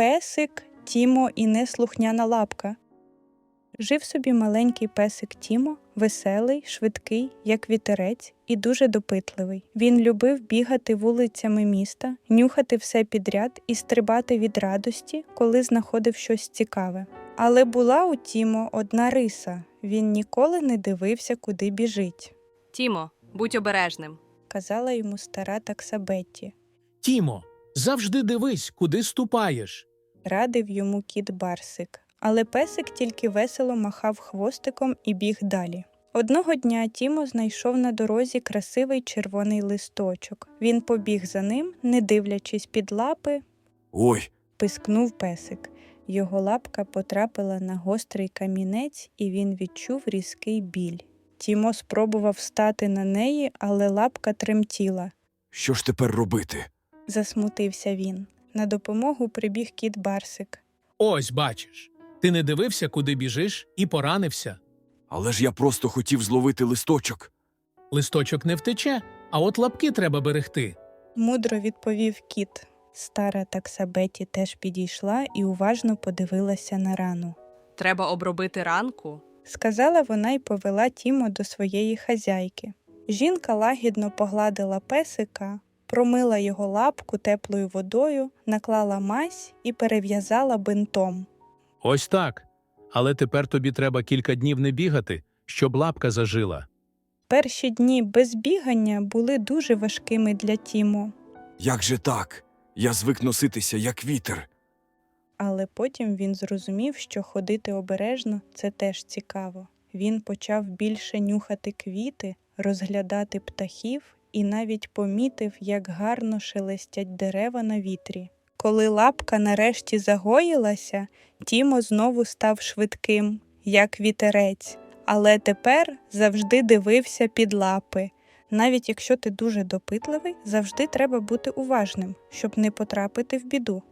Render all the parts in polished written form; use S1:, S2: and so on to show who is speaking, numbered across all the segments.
S1: Песик, Тімо і неслухняна лапка. Жив собі маленький песик Тімо, веселий, швидкий, як вітерець, і дуже допитливий. Він любив бігати вулицями міста, нюхати все підряд і стрибати від радості, коли знаходив щось цікаве. Але була у Тімо одна риса – він ніколи не дивився, куди біжить.
S2: Тімо, будь обережним.
S1: Казала йому стара такса Бетті.
S3: Тімо, завжди дивись, куди ступаєш.
S1: Радив йому кіт Барсик. Але песик тільки весело махав хвостиком і біг далі. Одного дня Тімо знайшов на дорозі красивий червоний листочок. Він побіг за ним, не дивлячись під лапи.
S4: Ой,
S1: Пискнув песик. Його лапка потрапила на гострий камінець, і він відчув різкий біль. Тімо спробував встати на неї, але лапка тремтіла.
S4: що ж тепер робити?
S1: Засмутився він. На допомогу прибіг кіт Барсик.
S3: Ось, бачиш, ти не дивився, куди біжиш, і поранився.
S4: Але ж я просто хотів зловити листочок.
S3: Листочок не втече, а от лапки треба берегти.
S1: Мудро відповів кіт. Стара такса Бетті теж підійшла і уважно подивилася на рану.
S2: Треба обробити ранку.
S1: Сказала вона й повела Тімо до своєї хазяйки. Жінка лагідно погладила песика, промила його лапку теплою водою, наклала мазь і перев'язала бинтом.
S3: Ось так. Але тепер тобі треба кілька днів не бігати, щоб лапка зажила.
S1: Перші дні без бігання були дуже важкими для Тімо,
S4: Як же так? Я звик носитися, як вітер.
S1: але потім він зрозумів, що ходити обережно – це теж цікаво. Він почав більше нюхати квіти, розглядати птахів і навіть помітив, як гарно шелестять дерева на вітрі. Коли лапка нарешті загоїлася, Тімо знову став швидким, як вітерець, але тепер завжди дивився під лапи. Навіть якщо ти дуже допитливий, завжди треба бути уважним, щоб не потрапити в біду.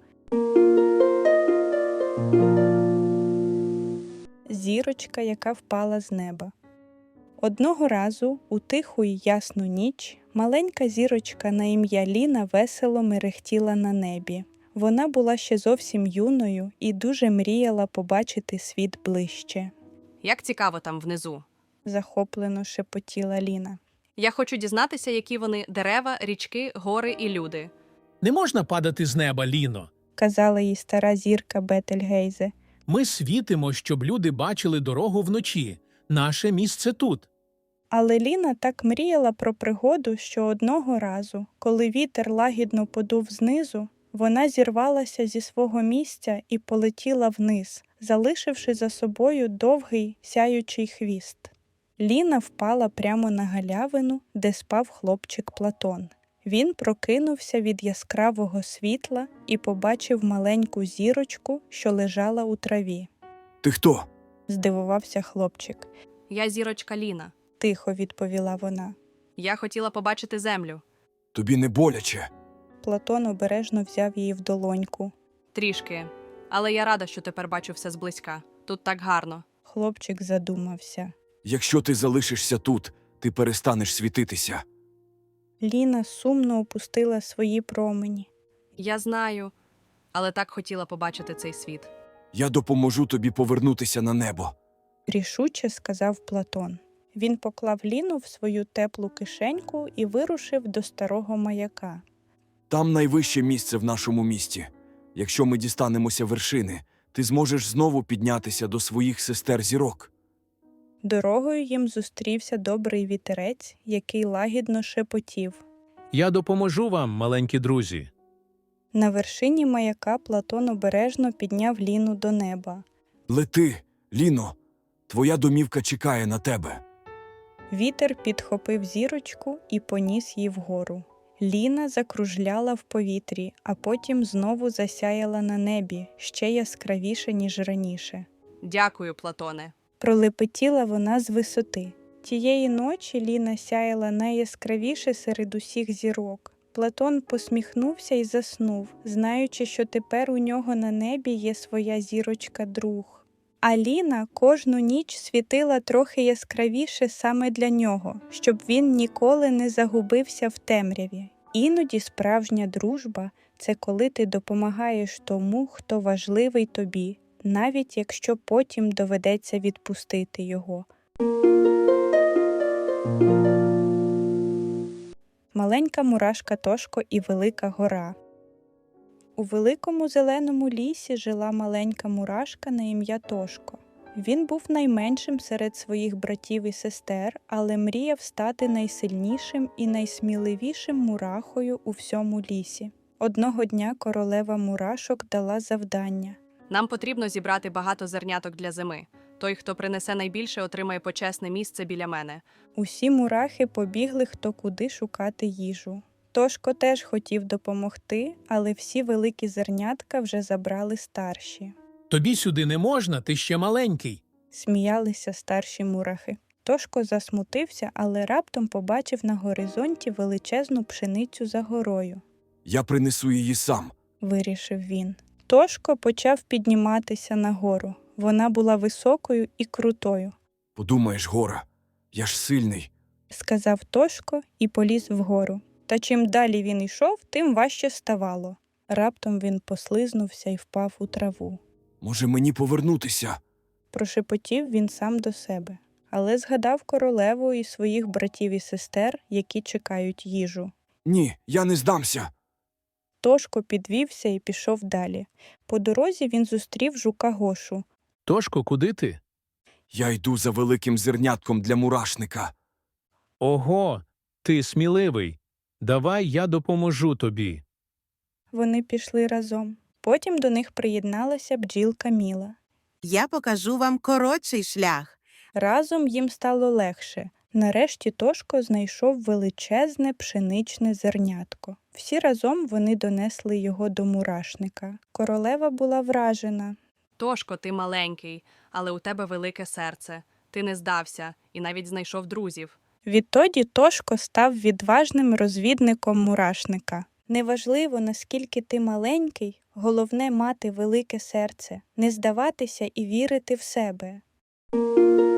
S1: Зірочка, яка впала з неба. Одного разу, у тиху й ясну ніч, маленька зірочка на ім'я Ліна весело мерехтіла на небі. Вона була ще зовсім юною і дуже мріяла побачити світ ближче.
S2: Як цікаво там внизу.
S1: Захоплено шепотіла Ліна.
S2: Я хочу дізнатися, які вони дерева, річки, гори і люди.
S3: Не можна падати з неба, Ліно.
S1: Казала їй стара зірка Бетельгейзе.
S3: Ми світимо, щоб люди бачили дорогу вночі. Наше місце тут.
S1: Але Ліна так мріяла про пригоду, що одного разу, коли вітер лагідно подув знизу, вона зірвалася зі свого місця і полетіла вниз, залишивши за собою довгий сяючий хвіст. Ліна впала прямо на галявину, де спав хлопчик Платон. Він прокинувся від яскравого світла і побачив маленьку зірочку, що лежала у траві.
S4: Ти хто?
S1: Здивувався хлопчик.
S2: Я зірочка Ліна.
S1: Тихо відповіла вона.
S2: Я хотіла побачити землю.
S4: Тобі не боляче?
S1: Платон обережно взяв її в долоньку.
S2: Трішки. Але я рада, що тепер бачу все зблизька. Тут так гарно.
S1: Хлопчик задумався.
S4: Якщо ти залишишся тут, ти перестанеш світитися.
S1: Ліна сумно опустила свої промені.
S2: Я знаю, але так хотіла побачити цей світ.
S4: Я допоможу тобі повернутися на небо.
S1: Рішуче сказав Платон. Він поклав Ліну в свою теплу кишеньку і вирушив до старого маяка.
S4: Там найвище місце в нашому місті. Якщо ми дістанемося вершини, ти зможеш знову піднятися до своїх сестер-зірок.
S1: Дорогою їм зустрівся добрий вітерець, який лагідно шепотів.
S3: Я допоможу вам, маленькі друзі.
S1: На вершині маяка Платон обережно підняв Ліну до неба.
S4: Лети, Ліно, твоя домівка чекає на тебе.
S1: Вітер підхопив зірочку і поніс її вгору. Ліна закружляла в повітрі, а потім знову засяяла на небі, ще яскравіше, ніж раніше.
S2: Дякую, Платоне.
S1: Пролепетіла вона з висоти. Тієї ночі Ліна сяяла найяскравіше серед усіх зірок. Платон посміхнувся і заснув, знаючи, що тепер у нього на небі є своя зірочка-друг. А Ліна кожну ніч світила трохи яскравіше саме для нього, щоб він ніколи не загубився в темряві. Іноді справжня дружба – це коли ти допомагаєш тому, хто важливий тобі, навіть якщо потім доведеться відпустити його. Маленька мурашка Тошко і велика гора. У великому зеленому лісі жила маленька мурашка на ім'я Тошко. Він був найменшим серед своїх братів і сестер, але мріяв стати найсильнішим і найсміливішим мурахою у всьому лісі. Одного дня королева мурашок дала завдання.
S2: Нам потрібно зібрати багато зерняток для зими. Той, хто принесе найбільше, отримає почесне місце біля мене.
S1: Усі мурахи побігли хто куди шукати їжу. Тошко теж хотів допомогти, але всі великі зернятка вже забрали старші.
S3: Тобі сюди не можна, ти ще маленький.
S1: Сміялися старші мурахи. Тошко засмутився, але раптом побачив на горизонті величезну пшеницю за горою.
S4: Я принесу її сам.
S1: Вирішив він. Тошко почав підніматися нагору. Вона була високою і крутою.
S4: Подумаєш, Гора, я ж сильний.
S1: Сказав Тошко і поліз вгору. Та чим далі він йшов, тим важче ставало. Раптом він послизнувся і впав у траву.
S4: Може, мені повернутися?
S1: Прошепотів він сам до себе, але згадав королеву і своїх братів і сестер, які чекають їжу.
S4: Ні, я не здамся.
S1: Тошко підвівся і пішов далі. По дорозі він зустрів жука Гошу.
S3: Тошко, куди ти?
S4: Я йду за великим зернятком для мурашника.
S3: Ого, ти сміливий. Давай я допоможу тобі.
S1: Вони пішли разом. Потім до них приєдналася бджілка Міла.
S5: Я покажу вам коротший шлях.
S1: Разом їм стало легше. Нарешті Тошко знайшов величезне пшеничне зернятко. Всі разом вони донесли його до мурашника. Королева була вражена.
S2: Тошко, ти маленький, але у тебе велике серце. Ти не здався і навіть знайшов друзів.
S1: Відтоді Тошко став відважним розвідником мурашника. Неважливо, наскільки ти маленький, головне мати велике серце, не здаватися і вірити в себе.